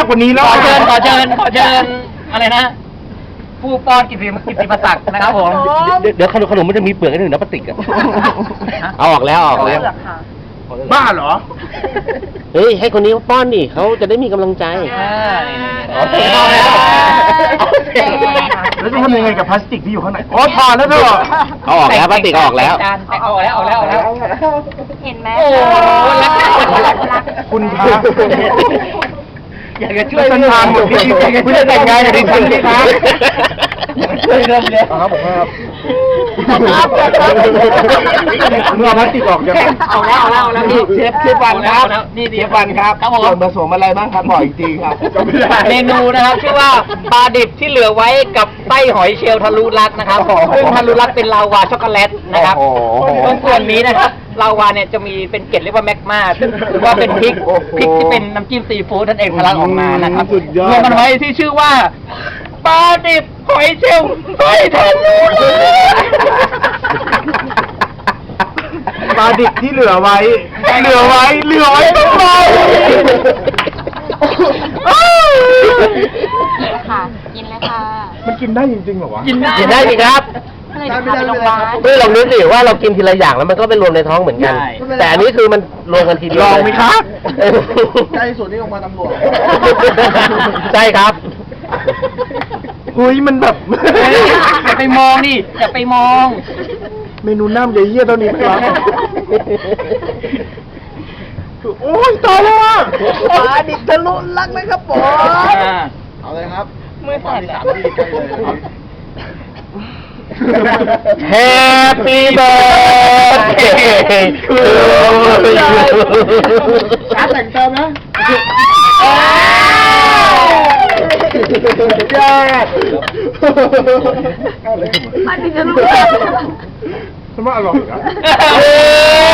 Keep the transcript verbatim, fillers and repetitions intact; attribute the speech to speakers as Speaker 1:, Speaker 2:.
Speaker 1: กว่านี้แล้ว
Speaker 2: ขอเชิญขอเชิญขอเชิญอะไรนะผู้ป้อนกิตติกิตติมศักดิ์นะครับผม
Speaker 3: เดี๋ยวเดี๋ยวขนมขนมมันจะมีเปลือกให้หนึ่งนะพลาสติกอะเอาออกแล้วเอาออกแล้ว
Speaker 1: บ้าเหรอ
Speaker 3: เฮ้ยให้คนนี้เขาป้อนดิเขาจะได้มีกำลังใจ
Speaker 2: โอเคเอาแล้ว
Speaker 1: แล้วจะทำยังไงกับพลาสติกที่อยู่ข้างในอ๋อถอดแล้วเถอะ
Speaker 3: เอาออกแล้วพลาสติกเอาออกแล้ว
Speaker 2: จานเอาออกแล้วเอาแล้วเอาแล้ว
Speaker 4: เห็นไหม
Speaker 2: โอ้รักรักรัก
Speaker 1: คุณคะ
Speaker 2: อยากจะช่วย
Speaker 1: ฉันทานหมดที่คุณจะแต่งงานกับดิฉันสิคะ
Speaker 2: ช่วยเรื่องเลย
Speaker 1: ครับผมครับเมื่อพลาสติกออกจะ
Speaker 2: เอาแล้วเอาแล้วเอาแล้วนี่
Speaker 1: เชฟเชฟวันครับ
Speaker 2: นี่
Speaker 1: เช
Speaker 2: นี่
Speaker 1: ฟวันครับ
Speaker 2: ครับผม
Speaker 1: ส่วนผสมอะไรบ้างครับบอกอีกทีครับจำไม่ได้
Speaker 2: เมนูนะครับชื่อว่าปลาดิบที่เหลือไว้กับไส้หอยเชลล์ทะลุรักนะครับซึ่งทะลุรักเป็นลาวาช็อกโกแลตนะครับ
Speaker 1: โอ้โห
Speaker 2: ตรงส่วนนี้นะครับลาวาเนี่ยจะมีเป็นเกล็ดเรียกว่าแมกมาซึ่งหรือว่าเป็นพริก
Speaker 1: โอ้โห
Speaker 2: พริกที่เป็นน้ำจิ้มซีฟู้ดนั่นเองทะลักออกมานะครับ
Speaker 1: สุดยอด
Speaker 2: รวมมันไว้ที่ชื่อว่าปลาดิบหอยเชลล์ไส้ทะลุรัก
Speaker 1: ปลาดิบที่เหลือไว้ เหลือไว้ เหลือไว้ทำไม
Speaker 4: ค่ะ กินเลยค่ะ
Speaker 1: มันกินได้จริงๆเหรอวะ
Speaker 2: กินได้
Speaker 3: กินได้สิครับ
Speaker 4: ก็เลยจะพาไปโรงพยาบาล
Speaker 3: เฮ้ยลองนึกดิว่าเรากินทีละอย่างแล้วมันก็ไปรวมในท้องเหมือนกัน
Speaker 2: ใช่
Speaker 3: แต่อันนี้คือมันรวมกันทีเดียว
Speaker 1: ลองไหมครับ
Speaker 3: ใกล้สุดนี่ออกมาตำรวจใช่ครับ
Speaker 1: เฮ้ยมันแบบ
Speaker 2: อย่าไปมองดิอย่าไปมอง
Speaker 1: เมนูน้ำใหญ่เยี่ยเท่านี้ครับ โอ้ยตายแล้วอ่ะปลาดิบทะลุรักนะครับผม เอาเลยครับ
Speaker 2: มือสั่นอะ
Speaker 3: Happy birthday to you
Speaker 1: การแต่งเติมนะยอดปลาดิบทะลุรักทำไมอร่อยอ่ะ